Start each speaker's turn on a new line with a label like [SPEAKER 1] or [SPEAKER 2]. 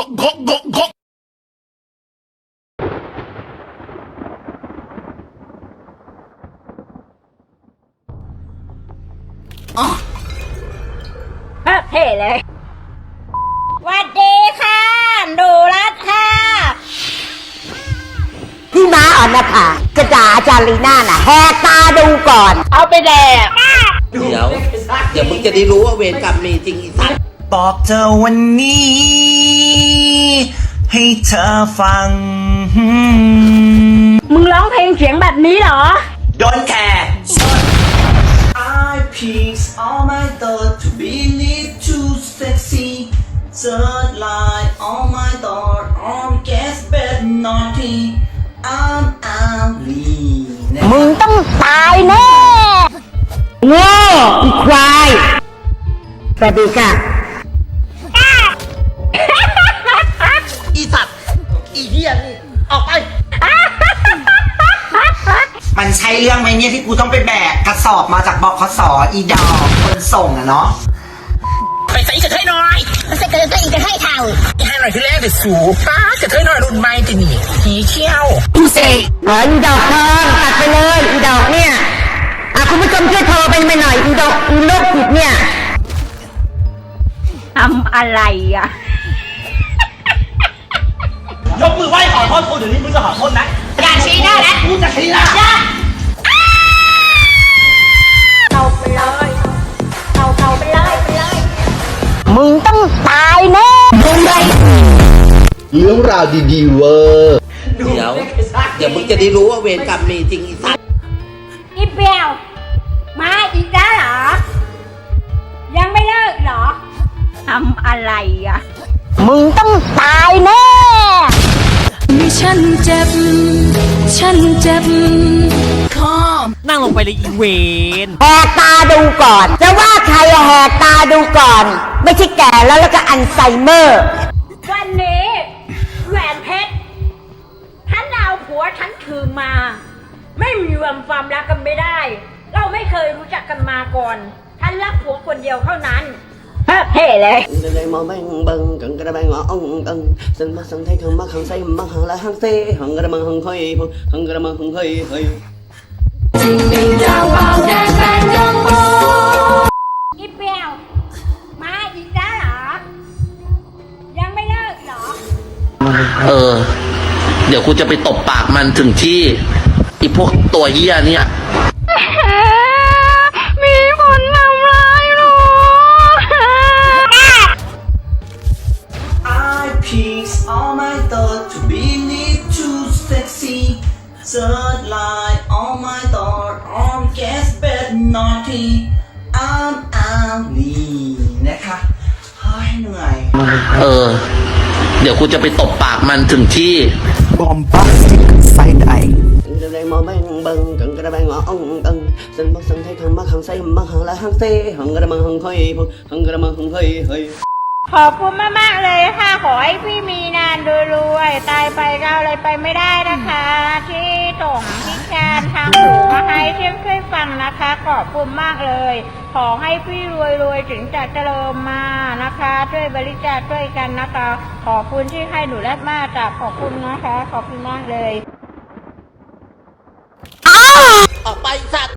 [SPEAKER 1] เท่เลยสวัสดีค่ะดูรัตค่ะ
[SPEAKER 2] พี่ม้าอ่อนนะคะกระดาอาจารย์ลีน่าน่ะแหกตาดูก่อนเอาไปแดก
[SPEAKER 3] เดี๋ยวมึงจะได้รู้ว่าเวรกรรมมีจริงอีสัตว์
[SPEAKER 4] บอกเธอวันนี้ ให้เธอฟัง
[SPEAKER 1] มึงร้องเพลงเสียงแบบนี้เหรอ
[SPEAKER 4] Don't care I piece all my thought to believe too sexy Third line all my thought all guess bad naughty I'm ugly
[SPEAKER 2] มึงต้องตายแน่โง่อีควายสวัสดีค่ะ
[SPEAKER 3] อีสัตว์อีเหี้ยนี่ออกไป
[SPEAKER 4] มันใช่เรื่องไหมเนี่ยที่กูต้องไปแบกกระสอบมาจากบขส.อีดอกคนส่งอะเนาะ
[SPEAKER 3] ไปใส่กระเทยหน่อย
[SPEAKER 2] มันจะเกิดตัวอีกจะให้เท่า
[SPEAKER 3] ให้หน่อยที่แรกเดี๋ยวสูป้ากระเทยหน่อยรุ่นใหม่จะหนีหีเขี้ยว
[SPEAKER 2] กูเสกอีดอกทองตัดไปเลยอีดอกเนี่ยคุณผู้ชมช่วยโทรไปหน่อยอีดอกอีโรคจิตเนี่ย
[SPEAKER 1] ทำอะไรอ่ะ
[SPEAKER 4] ยกมือไหว้ขอโทษกูเดี๋ยวนี้มึงจะขอโทษนะ
[SPEAKER 2] อย่าชี้หน้านะ
[SPEAKER 4] กูจะชี้นะ
[SPEAKER 1] เอาไปเลยเอาไปเลย
[SPEAKER 2] มึงต้องตายแน่มึงไง
[SPEAKER 5] เรื่องราวดีๆเวอร์
[SPEAKER 3] เดี๋ยวมึงจะได้รู้ว่าเวรกรรมมีจริงอีสัตว์
[SPEAKER 1] อีเปียวมาอีกแล้วเหรอยังไม่เลิกเหรอทำอะไรอ่ะ
[SPEAKER 2] มึงต้องตายแน่
[SPEAKER 6] ฉันเจ็บ
[SPEAKER 7] นั่งลงไปเลยอีเวน
[SPEAKER 2] แหกตาดูก่อนจะว่าใครแหกตาดูก่อนไม่ใช่แก่แล้วก็อัลไซเมอร์
[SPEAKER 1] วันนี้แหวนเพชรฉันเอาผัวฉันถือมาไม่มีความรักกันไม่ได้เราไม่เคยรู้จักกันมาก่อนฉันรักผัวคนเดียวเท่านั้นเท่เลย
[SPEAKER 3] đây màu băng băng cần cái băng ngõ ông cần sân mắt sân thấy không mắt hàng say mắt hàng là hàng xe hàng cái băng hàng hơi hàng cái băng hàng hơi hơi
[SPEAKER 1] อีเปียวมาอีกแล้วเหรอยังไม่เลิกเหรอ
[SPEAKER 3] เดี๋ยวกูจะไปตบปากมันถึงที่อีพวกตัวเหี้ยเนี่ย
[SPEAKER 1] มีคนทำร้ายหนู
[SPEAKER 4] I piece all my thought to believe too sexy Third line all my thought all guess bad naughty I'm ugly นะคะเฮ้ยเหนื่อย
[SPEAKER 3] เดี๋ยวกูจะไปตบปากมันถึงที่
[SPEAKER 4] Bombastic side eye
[SPEAKER 3] đây màu băng băng cần cái băng ngõ ông cần sân mắt sân thấy không mắt hàng say mắt hàng là hàng xe hàng cái băng hàng hơi hàng cái băng hàng hơi hơi
[SPEAKER 1] ขอบคุณมากๆเลยค่ะขอให้พี่มีนานรวยๆตายไปก็อะไรไปไม่ได้นะคะที่ส่งพิการทางหูมาให้ช่วยฟังนะคะขอบคุณมากเลยขอให้พี่รวยๆถึงจะเจริญมานะคะช่วยบริจาคช่วยกันนะคะขอบคุณที่ให้หนูและมากจ้ะขอบคุณนะคะขอบคุณมากเลย
[SPEAKER 3] ออกไปสัตว์